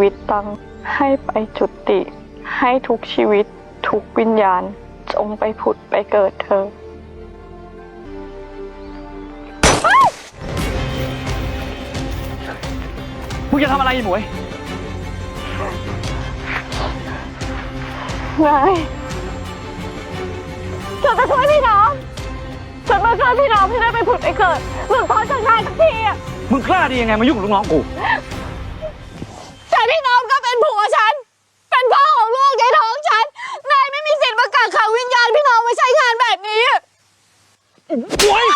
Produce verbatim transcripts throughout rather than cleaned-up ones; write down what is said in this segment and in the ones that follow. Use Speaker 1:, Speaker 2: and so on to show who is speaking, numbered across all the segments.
Speaker 1: วิตตังให้ไปจุติ ให้ทุกชีวิตทุกวิญญาณจงไปผุดไปเกิดเธอ
Speaker 2: มึงจะทำอะไรหมวย
Speaker 1: นายฉันจะช่วยพี่น้องฉันมาช่วยพี่น้องที่ได้ไปผุดไปเกิดหลุดพ้นจากนายสักทีอ่ะ
Speaker 2: มึงกล้าดียังไงมายุ่งกับลูกน้องกู
Speaker 1: แต่พี่น้องก็เป็นผัวฉันเป็นพ่อของลูกในท้องฉันนายไม่มีสิทธิ์มากักขังวิญญาณพี่น้องไว้ใช้งานแบบนี้
Speaker 2: หมวย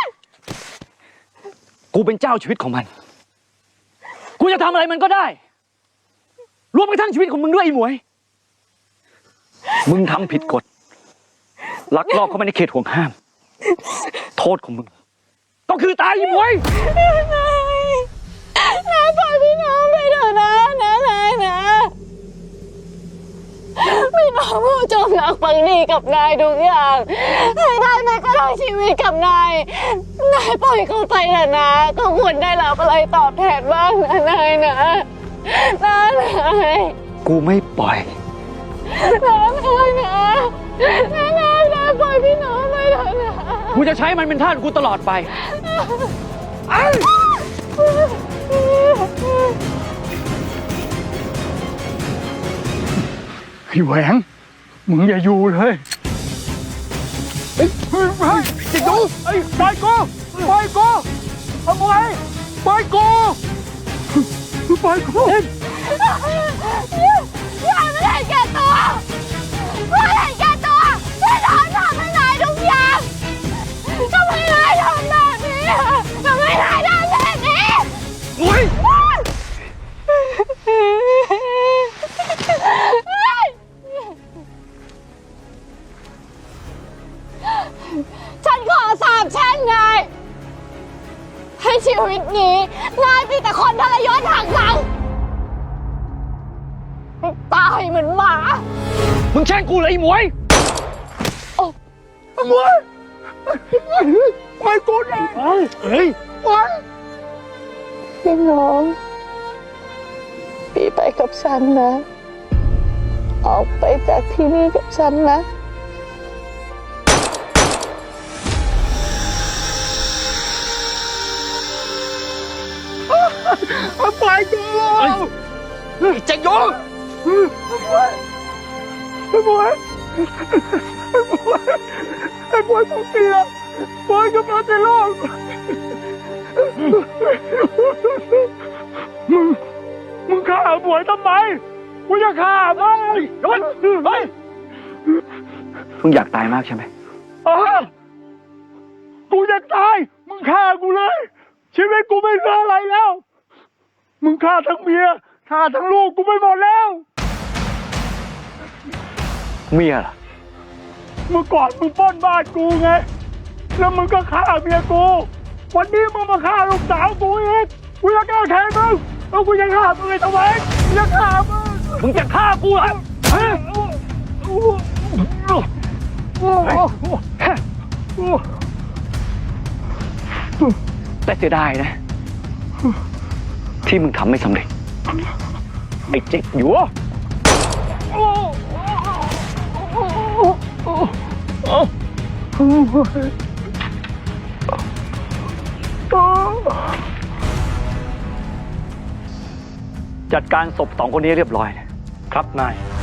Speaker 2: กูเป็นเจ้าชีวิตของมันกูจะทำอะไรมันก็ได้รวมกระทั่งชีวิตของมึงด้วยไอ้หมวยมึงทำผิดกฎลักลอบเข้ามาในเขตห่วงห้ามโทษของมึงก็คือตายไอ้หมวย
Speaker 1: นายปล่อยพี่น้องไปเถอะนะนะนายนะพี่น้องผู้จมรักภักดีกับนายทุกอย่างให้นายแม้กระทั่งชีวิตกับนายนายปล่อยเขาไปเถอะนะก็ควรได้รับอะไรตอบแทนบ้างนะนายนะนะนาย
Speaker 2: กูไม่ปล่อย
Speaker 1: นะนายนะนะนายนะปล่อยพี่น้องไปเถอะนะ
Speaker 2: กูจะใช้มันเป็นทาสกูตลอดไป
Speaker 3: ไอ้แหวงมึงอย่าอยู่เลยเฮ้ยเฮ้ยเฮ้ยจิตดูไอ้ปล่อยกูปล่อยกูเอาไว้ปล่อยกูปล่อยกู
Speaker 1: อย่าไม่ได้แก่ตัวไม่ได้แก่ตัวพี่น้องทำให้นายทุกอย่างทำไมนายทำแบบนี้ทำไมนายทำแบบนี้
Speaker 2: หมวย
Speaker 1: ฉันขอสาบแช่งนายให้ชีวิตนี้นายมีแต่คนทรยศหักหลังตายเหมือนหมา
Speaker 2: มึงแช่งกูเลยไอ้หมวย
Speaker 3: โอ้หมวยปล่อยกูเลยเฮ้ยปล่อย
Speaker 1: พี่น้องพี่ไปกับฉันนะออกไปจากที่นี่กับฉันนะ
Speaker 3: ปล่อยกู
Speaker 2: ไอ้เจ๊งโย
Speaker 3: ไอ้บวยไอ้บวยไอ้บวยของเตียบวยกับเราจะรอดมึงมึงฆ่าบวยทำไมกูจะฆ่ามึง
Speaker 2: โดนเฮ้ยมึงอยากตายมากใช่ไหม
Speaker 3: อ๋อกูอยากตายมึงฆ่ากูเลยชีวิตกูไม่เหลืออะไรแล้วมึงฆ่าทั้งเมียฆ่าทั้งลูกกูไปหมดแล้ว
Speaker 2: เมียล่ะ
Speaker 3: เมื่อก่อนมึงปล้นบ้านกูไงแล้วมึงก็ฆ่าเมียกูวันนี้มึงมาฆ่าลูกสาวกูอีกกูจะแก้แค้นมึงแล้วกูจะฆ่ามึงไอ้ตะเวนกูจะฆ่ามึง
Speaker 2: มึงจะฆ่ากูเหรอแต่เสียดายนะที่มึงทำไม่สำเร็จไอ้เจ๊กอยู่จัดการศพสองคนนี้เรียบร้อยครับนาย